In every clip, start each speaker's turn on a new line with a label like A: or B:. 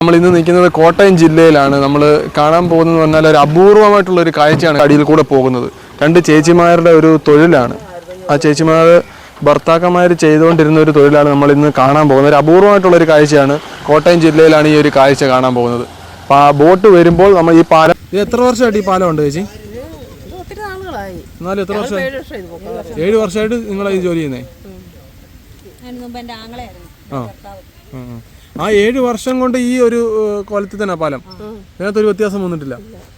A: നമ്മൾ ഇന്ന് നിൽക്കുന്നത് കോട്ടയം ജില്ലയിലാണ്. നമ്മൾ കാണാൻ പോകുന്നത് പറഞ്ഞാൽ ഒരു അപൂർവമായിട്ടുള്ള ഒരു കാഴ്ചയാണ് അടിയിൽ കൂടെ പോകുന്നത്. രണ്ട് ചേച്ചിമാരുടെ ഒരു തൊഴിലാണ്. ആ ചേച്ചിമാർ ഭർത്താക്കന്മാർ ചെയ്തുകൊണ്ടിരുന്ന ഒരു തൊഴിലാണ് നമ്മൾ ഇന്ന് കാണാൻ പോകുന്നത്. ഒരു അപൂർവമായിട്ടുള്ളൊരു കാഴ്ചയാണ്. കോട്ടയം ജില്ലയിലാണ് ഈ ഒരു കാഴ്ച കാണാൻ പോകുന്നത്. അപ്പോൾ ആ ബോട്ട് വരുമ്പോൾ നമ്മൾ ഈ പാലം ഇത് എത്ര വർഷമായിട്ട് ഈ പാലം ഉണ്ട് ചേച്ചി? എന്നാലും എത്ര വർഷം? 7 വർഷമായിട്ട് നിങ്ങൾ ഈ ജോലി ചെയ്യുന്നേ? ആ 7 വർഷം കൊണ്ട് ഈ ഒരു കൊലത്തിൽ തന്നെ പാലം, അതിനകത്തൊരു വ്യത്യാസം വന്നിട്ടില്ല.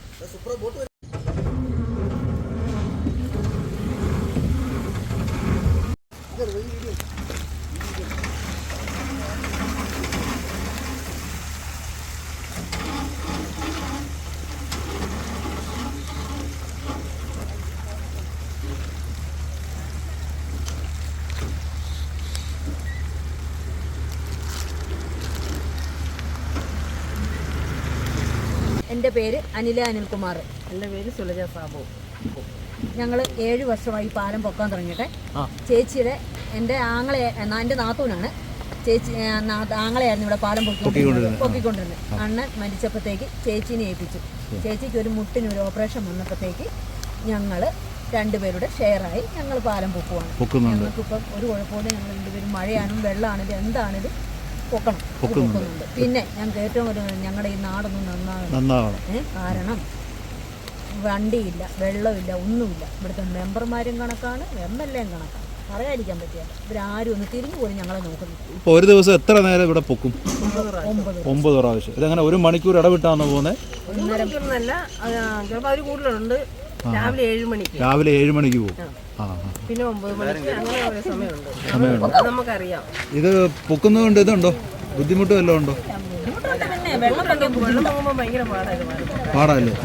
B: എൻ്റെ പേര് അനിൽകുമാർ. എൻ്റെ പേര് സുലജ സാബു. ഞങ്ങൾ 7 വർഷമായി പാലം പൊക്കാൻ തുടങ്ങിയിട്ട്. ചേച്ചിയുടെ എൻ്റെ നാത്തൂനാണ്. ചേച്ചി ആങ്ങളെയായിരുന്നു ഇവിടെ പാലം പൊക്കിക്കൊണ്ടിരുന്നത്. അണ്ണൻ മരിച്ചപ്പോഴത്തേക്ക് ചേച്ചീനെ ഏൽപ്പിച്ചു. ചേച്ചിക്ക് ഒരു മുട്ടിനൊരു ഓപ്പറേഷൻ വന്നപ്പോഴത്തേക്ക് ഞങ്ങൾ രണ്ടുപേരുടെ ഷെയറായി ഞങ്ങൾ പാലം പൊക്കുവാണ്. ഞങ്ങൾക്കിപ്പം ഒരു കുഴപ്പമില്ല. ഞങ്ങൾ രണ്ടുപേരും മഴയാണെങ്കിലും വെള്ളമാണെങ്കിലും എന്താണെങ്കിലും പൊക്കുന്നുണ്ട്. പിന്നെ ഞങ്ങൾക്ക് ഏറ്റവും കൂടുതൽ ഞങ്ങളുടെ ഈ നാടൊന്നും നന്നാവണം. കാരണം വണ്ടിയില്ല, വെള്ളമില്ല, ഒന്നുമില്ല. ഇവിടുത്തെ മെമ്പർമാരും കണക്കാണ്, MLA കണക്കാണ്. പറയാതിരിക്കാൻ പറ്റില്ല. ഇവരാരും ഒന്ന് തിരിഞ്ഞു പോലും ഞങ്ങളെ നോക്കുന്നു.
C: ഇപ്പോൾ ഒരു ദിവസം എത്ര നേരം ഇവിടെ പൊക്കും? 9 പ്രാവശ്യം. ഇതങ്ങനെ 1 മണിക്കൂർ ഇടവിട്ടാണോ പോകുന്നത്?
B: രാവിലെ 7 മണിക്ക്.
C: രാവിലെ 7 മണിക്ക് പോകും.
B: പിന്നെ 9 മണിക്ക് അങ്ങനെ ഒരു സമയമുണ്ട്. നമുക്കറിയാം.
C: ഇത് പൊക്കുന്നതുകൊണ്ട് ഇതുണ്ടോ ബുദ്ധിമുട്ട് വല്ലതും ഉണ്ടോ? പാടല്ലേ?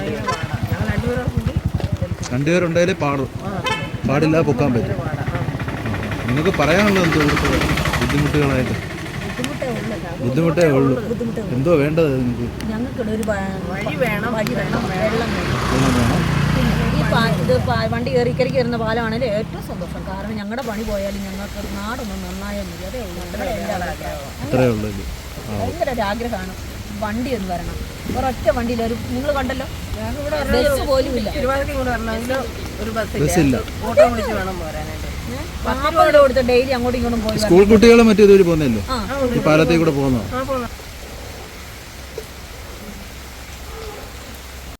C: രണ്ടുപേരുണ്ടായാലേ പാടില്ല പൊക്കാൻ പറ്റും. നിങ്ങൾക്ക് പറയാനുള്ളത് എന്തോ ബുദ്ധിമുട്ടുകളായിട്ട്? ബുദ്ധിമുട്ടേ ഉള്ളൂ. എന്തോ വേണ്ടത് നിങ്ങൾക്ക്?
B: വഴി വേണം, വെള്ളം വേണം. ഇത് വണ്ടി കയറി വരുന്ന പാലമാണെങ്കിൽ ഏറ്റവും സന്തോഷം. കാരണം ഞങ്ങളുടെ പണി പോയാലും ഞങ്ങൾക്ക് നാടൊന്നും നന്നായാൽ മതി. അതേ ഉള്ളൂ. ഭയങ്കര ഒരു ആഗ്രഹമാണ് വണ്ടി ഒന്ന് വരണം. ഒരൊറ്റ വണ്ടിയിൽ നിങ്ങൾ കണ്ടല്ലോ, ബസ് പോലും ഇല്ല. ഓട്ടോ വിളിച്ച് വേണം പോരാനായിട്ട്. 40 രൂപ കൊടുത്ത് ഡെയിലി അങ്ങോട്ടും ഇങ്ങോട്ടും പോയി.
C: സ്കൂൾ കുട്ടികളെ മറ്റേ ഇതുവഴി പോകുന്നല്ലോ, ഈ പാലത്തിൽ കൂടെ പോകുന്നോ?